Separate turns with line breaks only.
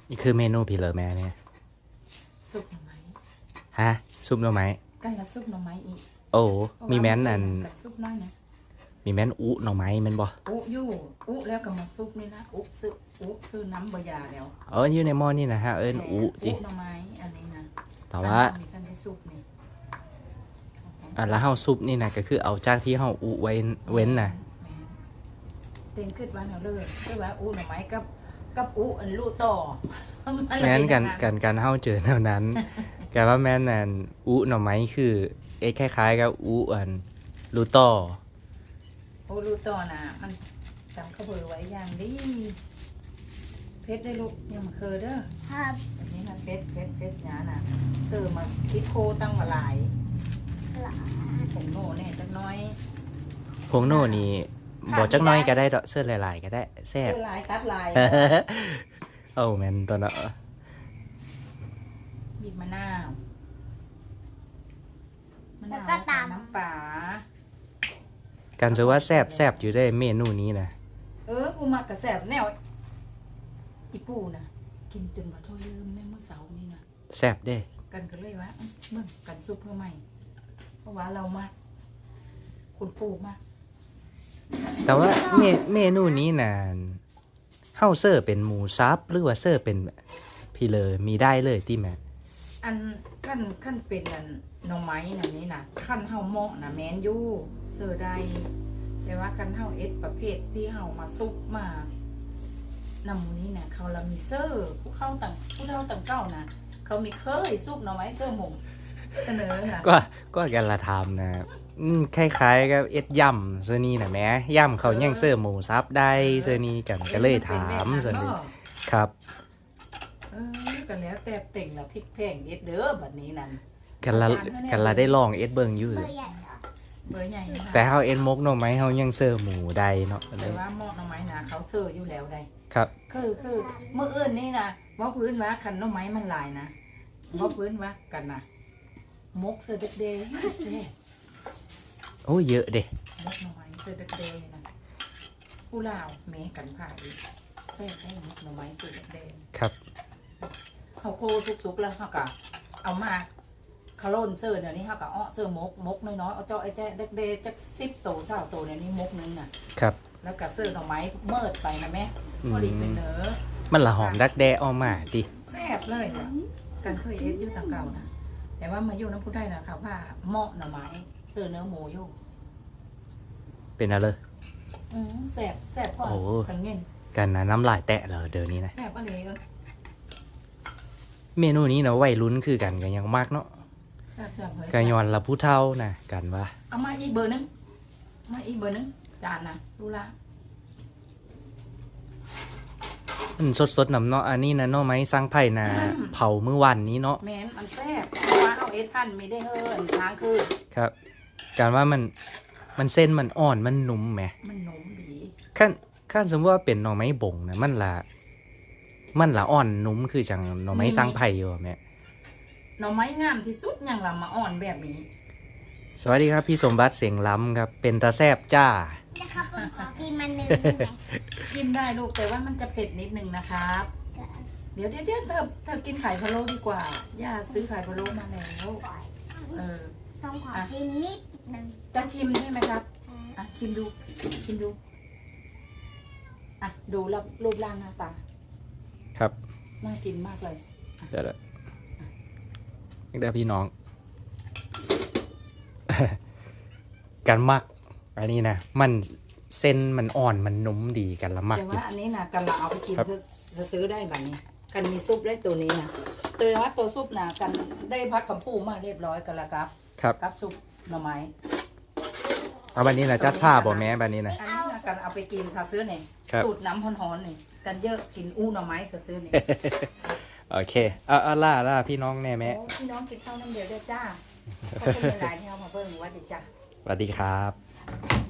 นี่คือเมนูพี่เหลือแม่เนี่ย
ซุปหน่อไม้
ฮะซุปหน่อไม้
กันละซุปหน่อไม้อีก
โอ้มีแม้นอัน
ซุปน้อยนะ
มีแม้นอุหน่อไม้แม่นบ่
อุยู่อุแล้วก็มาซุปนี่นะอุซื้อน้ำบะยาแล้ว
อยู่ในหม้อนี่นะฮะอุจิ
หน่อไม้อันนี้นะ
แต่ว่า
มีกันได้ซุปนี่
แล้วเฮาซุปนี่นะก็คือเอาจากที่เฮาอุไว้เว้นนะ
เต็มขึ้นวันเอาเลยคือว่าอุหน่อไม้กับอุอันลูต่อ
แม้นกันเฮาเจอแนวนั้นแต่ว่าแม่นอันอุหน่อไม้คือคล้ายๆกับอุอันลูต่อ
อุลูต่อนะมันจำข้าวเบอร์ไว้อย่างดีเพชรได้ลูกยังมาเคยเด้อครับแบบนี้มันเพชรหนาน่ะเสิร์ฟมาคิดโคตั้งมาหลายผงโน่เนี่ยจักน้อย
ผงโน่นี่บอกจักน้อยก็ได้ดอกเสื้อหลายๆก็ได้แซ่บ
เสื้อลายตัดลาย
แม่นตอนนั้น
บีบมะนาวน้ำปลา
กันจะว่าแซ่บอยู่ได้เมนูนี้นะ
กูมักกระแสบแนวอีปูนะกินจนบ่ถ้วยลืมแม่เมื่อเสาร์นี่นะ
แซ่บเด้
กันก็เลยว่าเมื่อกันซุปเพื่อใหม่เพราะว่าเรามาคุณปูมาก
แต่ว่าเมนูนี้น่ะเฮาเซอร์เป็นหมูซับหรือว่าเซอร์เป็นพี่เลยมีได้เลยที่แม่
อันขั้นเป็นอันหน่อไม้อันนี้นะขั้นเฮาเหมาะนะแมนยูเซอร์ได้แต่ว่ากันเฮาเอสประเภทที่เฮามาซุปมานำมูนี้เนี่ยเขาเรามีเซอร์ผู้เฒ่าต่างเก้านะเขามีเคยซุปหน่อไม้เซอร์หมงเสนอค่ะ
ก็กันละทำนะคล้ายๆกับย่ำเซอร์นี่นะแม่ย่ำเขายังเซอร์หมูซับได้เซอร์นี่กันก็เลยถามเซอร์นี่ครับ
กันแล้วแต่เต่งละพริกแพงเอ็ดเด้อแบบนี้นั่น
กันละได้ลองเอ็ดเบิงอยู่
เบอร์ใหญ่
แต่เฮาเอ็ดมกหน่อไม้เฮายังเซอร์หมูได้เนาะ
แต่ว่าหม้อหน่อไม้นะเขาเซอร์อยู่แล้วได้
ครับ
คือเมื่ออื่นนี่นะว่าพื้นว่าคันหน่อไม้มันลายนะว่าพื้นว่ากันนะมกเซอร์เด็กเดย์เซ่
โอ้เยอะเด้
มกหน่อไม้เซอร์เด็กเดย์นะผู้ลาวเมกันผ่าอีกเซ่ได้มกหน่อไม้เซอร์เด็กเดย์
ครับ
เขาโคสุกๆแล้วเขาก็เอามาคาร์โลนเซอร์เนี่ยนี่เขาก็เซอร์มกน้อยๆเอาเจ้าไอ้แจ๊เด็กเดย์จัก10 โต20 โตเนี่ยนี่มกนึงน่ะ
ครับ
แล้วก็เซอร์หน่อไม้เมิดไปนะแม่พอดีเป็นเนื้อ
มันละหอมดักแด้ออกมาดิ
แซ่บเลยเนี่ยกันเคยเอ็ดอยู่ต่างเก่านะแต่ว่ามาอยู่น้ำพุได้นะค่ะว่าเหมาะหน่อไม้เซอร์เนื้อหมูอยู่
เป็นอะไร
แซ่บก่อนกันเงิน
กันนะน้ำลายแตะเลยเดี๋ยวนี้นะ
แซ่บอะไร
เมนูนี้นะวัยรุ่นคือกันยังมากเนาะกันย้อนละผู้เฒ่านะกันว่า
เอามาอีกเบอร์นึงจานนะดูละ
สดน้ำเนาะอันนี้นะเนาะไม้สร้างไผ่นะเผาเมื่อวันนี้เนาะ
แม่นมันแซ่บเพราะว่าเอาเอทันไม่ได้ทางคือ
ครับการว่ามันเส้นมันอ่อนมันนุ่มไหม
มันนุ่มดี
ขั้นสมมติว่าเป็นหน่อไม้บ่งนะมันละอ่อนนุ่มคือจังหน่อไม้สร้างไผ่อยู่แม่
หน่อไม้งามที่สุดอย่างละมาอ่อนแบบนี้
สวัสดีครับพี่สมบัติเสียงล้ำครับเป็นตาแซบจ้า
นะครับขอพิมพ์มันนึง
กินได้ลูกแต่ว่ามันจะเผ็ดนิดนึงนะครับเดี๋ยวเธอกินไข่พะโล้ดีกว่าย่าซื้อไข่พะโล้มาแล้ว
ต้องขอพิมพ์นิดนึง
จะชิมใช่ไหมครับชิมดูดูรูปร่างหน้าตา
ครับ
น่ากินมากเลย
เดี๋ยวพี่น้องกันมักอันนี้นะมันเส้นมันอ่อนมันนุ่มดีกันละมัก
แต่ว่าอันนี้นะกันเราเอาไปกินจะซื้อได้แบบนี้กันมีซุปได้ตัวนี้นะตัวว่าตัวซุปนะกันได้พักกับปูมาเรียบร้อยกันแล้วครับกับซุปหน่อไม้
เอาบันนี้นะจัดผ้าบ่แม่บันนี้นะ
อันนี้นะกันเอาไปกินถ้าซื้อเนี่ยสูตรน้ำฮ้อนๆนี่กันเยอะกินหน่อไม้ซื้อเนี่ย
โอเคล่าพี่น้องแน่แม่
พี่น้องกินข้าวน้ำเดียวได้จ้าขอบคุณหลายๆที่เอามาเพิ่มวัดดีจ้า
สวัสดีครับ